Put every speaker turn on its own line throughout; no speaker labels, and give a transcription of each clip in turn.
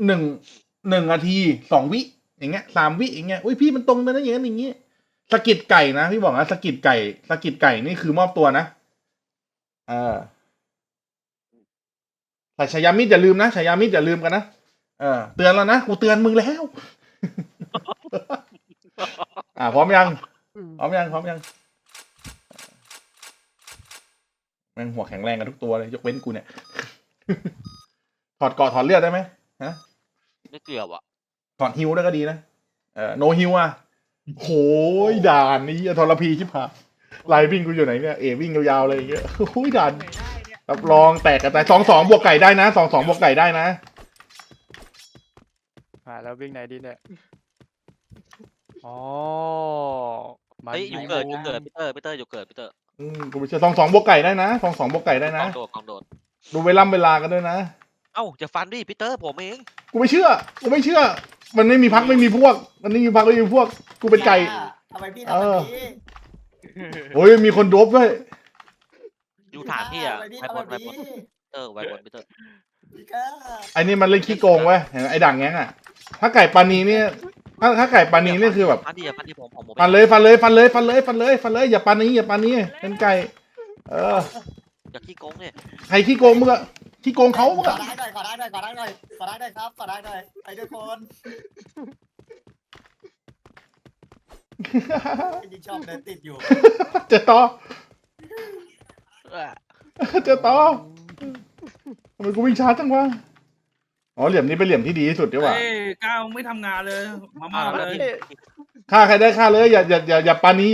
หนึ่ง1 นาที 2 วิอย่างเงี้ย3 วิอย่างเงี้ยอุ้ยพี่มันตรงไปนะอย่างนั้นอย่างงี้สะกิดไก่นะพี่บอกนะสะกิดไก่นี่คือมอบตัวนะแต่ฉายามิดอย่าลืมนะฉายามิดอย่าลืมกันนะเตือนแล้วนะกูเตือนมึงแล้ว พร้อมยังพร้อมยังแม่งหัวแข็งแรงกันทุกตัวเลยยกเว้นกูเนี่ย ถอดเกราะถอดเลือดได้ไหมฮะ
ไม่เกี่ยวอ่ะ
ถอดฮิวได้ก็ดีนะโนฮิวโหยด่านนี้ทรพีชิบหายไลน์วิ่งกูอยู่ไหนเนี่ยวิ่งยาวๆเลยเยอะโอ้ยด่านรับรองแตกกันตาย2-2 บวกไก่ได้นะ2-2 บวกไก่ได้นะ
แล้ววิ่งไหนดีเนี่ยอ๋อ
เฮ้ยอยู่เกิดพีเตอร์อยู่เกิดพีเตอร์
กูไม่เชื่อ2-2 บวกไก่ได้นะ2-2 บวกไก่ได้นะ
กองโดด
ดูเวลากันด้วยนะ
เอ้าจะฟันดิพีเตอร์ผมเอง
กูไม่เชื่อมันไม่มีพักไม่มีพวกกูเป็นไก่
ทำไมพี่ทำแบบนี้
โอ้ยมีคนโดบด้วย
อยู่ฐานพี่อ่ะ
ทำไมพี่
ไว
ทำ
บ
แบ
น
บ
ไวบ
นี้
นไวบนพีเตอร์
พี่ก้า
ไอ้นี่มันเล่นขี้โกงเว้ยเห็นไหมไอ้ด่างแง้งถ้าไก่ปานีเนี่ยถ้าไก่ปานีนี่คือแบบ
ฟันดิผม
ฟันเลยอย่าปานีเป็นไก่
อย่าขี้โกงเนี่ย
ใครขี้โกงมึงอะขี้โกงเขามึง
ขอ
อะ
ได้หน่อยครับขอได้หน่อยไปด้วยคนยิ่งชอบเดินติดอยู่
เจอต่อทำไมกูวิ่งช้าจังวะอ๋อเหลี่ยมนี้เป็นเหลี่ยมที่ดีที่สุดดีกว่า
ก้าวไม่ทำงานเลยมาเลย
ฆ่าใครได้ฆ่าเลยอย่าปานี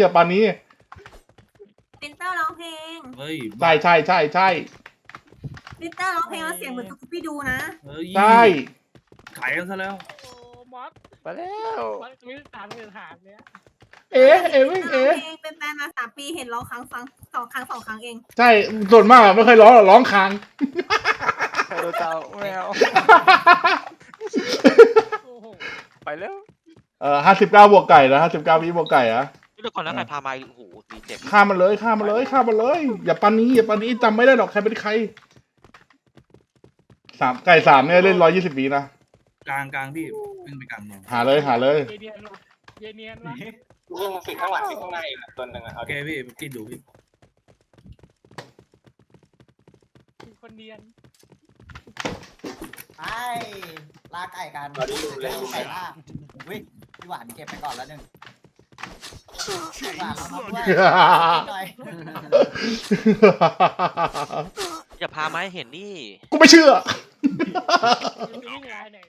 ปินเตอร์ร้องเพลง
เฮ้ย
ใช่
ปินเตอร์ร้องเพลงแล้วเสียงเหมือนสกูปี้ดูนะ
ใช่
ขายกันซะแล้ว
โอ้มอส
ไปแล้ว
มอสมีถามเงินถามเนี้ย
วิ่ง
ร้องเพลงเป็นแฟนมา3 ปีเห็นร้องครั้งฟัง2 ครั้งเอง
ใช่ส่วนมากไม่เคยร้องค้าง
เจ้าแมว
โอ้โห
ไปแล้ว
59 บวกไก่นะ59 วิบวกไก่อะ
นี่เดี๋ยวก่อนแล้วใครพามาโอ้โหตีเจ็บ
ฆ่ามันเลยอย่าปานีจำไม่ได้หรอกใครเป็นใครไก่3เนี่ยเล่น120 วินะ
กลางพี่ขึ้นไปกลางเมือง
หาเลย
เยเนียนวะ
เรื่องสิ่งข้างหลังสิ่งข้างในตัวหนึ่งอ่ะ
โอเคพี่กินดูพี่
มีคนเนียน
ไปลาไก่กันไก่ล่าวิพี่หวานเก็บไปก่อนแล้วหนึ่งหวานมาด้วยหน่อย
อย่าพามาให้เห็นนี่
กูไม่เชื่อ
นี่ไงเนี่ย